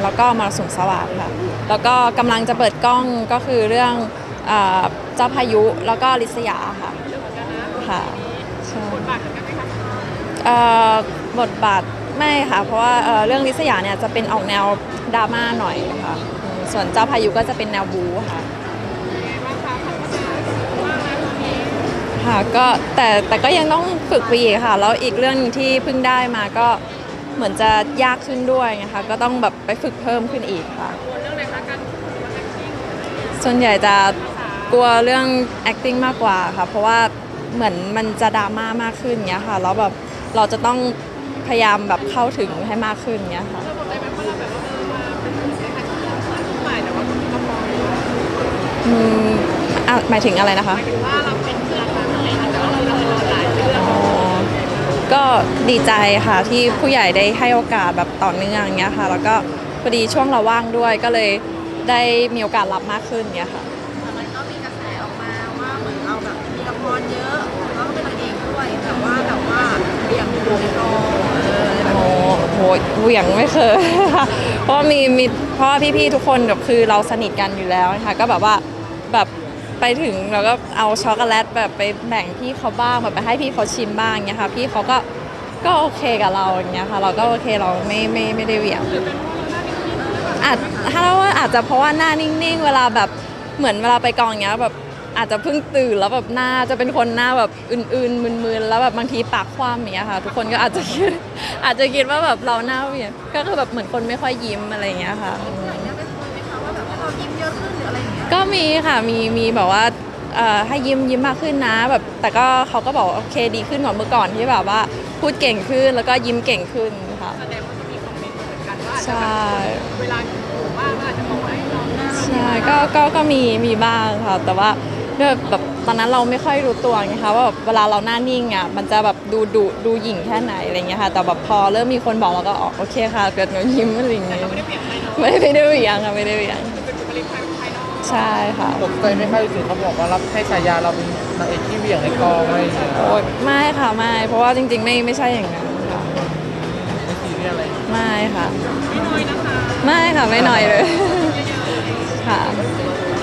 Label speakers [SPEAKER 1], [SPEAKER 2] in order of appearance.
[SPEAKER 1] แล้วก็มรสุมสวัสดิ์ค่ะแล้วก็กำลังจะเปิดกล้องก็คือเรื่องเจ้าพายุแล้วก็ลิษยาค่ะค่ะใช่เอ่อบทบาทไม่ค่ะเพราะว่าเรื่องลิษยาเนี่ยจะเป็นออกแนวดราม่าหน่อยค่ะส่วนเจ้าพายุก็จะเป็นแนวบู๊ค่ะค่ะก็แต่ก็ยังต้องฝึกไปอีกค่ะแล้วอีกเรื่องนึงที่เพิ่งได้มาก็เหมือนจะยากขึ้นด้วยนะคะก็ต้องแบบไปฝึกเพิ่มขึ้นอีกค่ะส่วนใหญ่จะกลัวเรื่อง acting มากกว่าค่ะเพราะว่าเหมือนมันจะดราม่ามากขึ้นเงี้ยค่ะแล้วแบบเราจะต้องพยายามแบบเข้าถึงให้มากขึ้นเงี้ยค่ะอืมหมายถึงอะไรนะคะก็ดีใจค่ะที่ผู้ใหญ่ได้ให้โอกาสแบบต่อเนื่องเงี้ยค่ะแล้วก็พอดีช่วงเราว่างด้วยก็เลยได้มีโอกาสรับมากขึ้นเงี้ยค่ะ
[SPEAKER 2] มันก็มีกระแสออกมาว่าเหมือนเราแบบมีละครเยอะแล้วก็เป็นนางเอกด้วยแต่ว่าเบี่ยงอยู่ในกอง
[SPEAKER 1] โอ้โหเหวี่ยงไม่เคยค่ะเพราะว่าเพราะว่าพี่ๆทุกคนแบบคือเราสนิทกันอยู่แล้วนะคะก็แบบว่าแบบไปถึงเราก็เอาช็อกโกแลตแบบไปแบ่งพี่เขาบ้างแบบไปให้พี่เขาชิมบ้างเงี้ยค่ะพี่เขาก็โอเคกับเราอย่างเงี้ยค่ะเราก็โอเคเราไม่ได้เหวี่ยงอาจถ้าเราว่าอาจจะเพราะว่าหน้านิ่งๆเวลาแบบเหมือนเวลาไปกองเงี้ยแบบอาจจะเพิ่งตื่นแล้วแบบหน้าจะเป็นคนหน้าแบบอื่นๆมึนๆแล้วแบบบางทีปากคว่ำอย่างเงี้ยค่ะทุกคนก็อาจจะคิดว่าแบบเราหน้าเหวี่ยงก็คือแบบเหมือนคนไม่ค่อยยิ้มอะไรอย่างเงี้ยค่ะ
[SPEAKER 2] เนี่ยเป็นคนไหมคะว่าแบบให้เรายิ้มเยอะขึ้นหรืออะไรอย่างเงี้ย
[SPEAKER 1] ก็มีค่ะมีแบบว่าให้ยิ้มมากขึ้นนะแบบแต่ก็เขาก็บอกโอเคดีขึ้นกว่าเมื่อก่อนที่แบบว่าพูดเก่งขึ้นแล้วก็ยิ้มเก่งขึ้นค่ะ
[SPEAKER 2] แสดงว่าจะมีคอมเมนต์เหมือนกันว่า
[SPEAKER 1] ใช่
[SPEAKER 2] เวลาอยู่บ้านอาจจะบอกว่าให้เราหน้า
[SPEAKER 1] ใช่ก็มีบ้างค่ะแต่ว่าด้วยแบบตอนนั้นเราไม่ค่อยรู้ตัวไงคะว่าแบบเวลาเราหน้านิ่งอ่ะมันจะแบบดูหยิ่งแค่ไหนอะไรเงี้ยค่ะแต่แบบพอเริ่มมีคนบอกเราก็อ๋อโอเคค่ะเกิดหนูยิ้มอะไรอย่างเงี้ยไม่ได้เหวี่ยงค่ะไม่ได้เหวี่ยงใช่ค่ะ
[SPEAKER 3] ตกใจไหมคะถึงเขาบอกว่ารับให้ฉายาเราเป็นนางเอกที่เหวี่ยงในกองอะไรอย่างเงี้ย
[SPEAKER 1] โอ้ยไม่ค่ะไม่เพราะว่าจริงๆไม่ใช่อย่างนั้นค่ะ
[SPEAKER 3] ไม่ซีเรียสอะไร
[SPEAKER 1] ไม่ค่ะไม่ค่ะไม่น้อยเลยค่ะ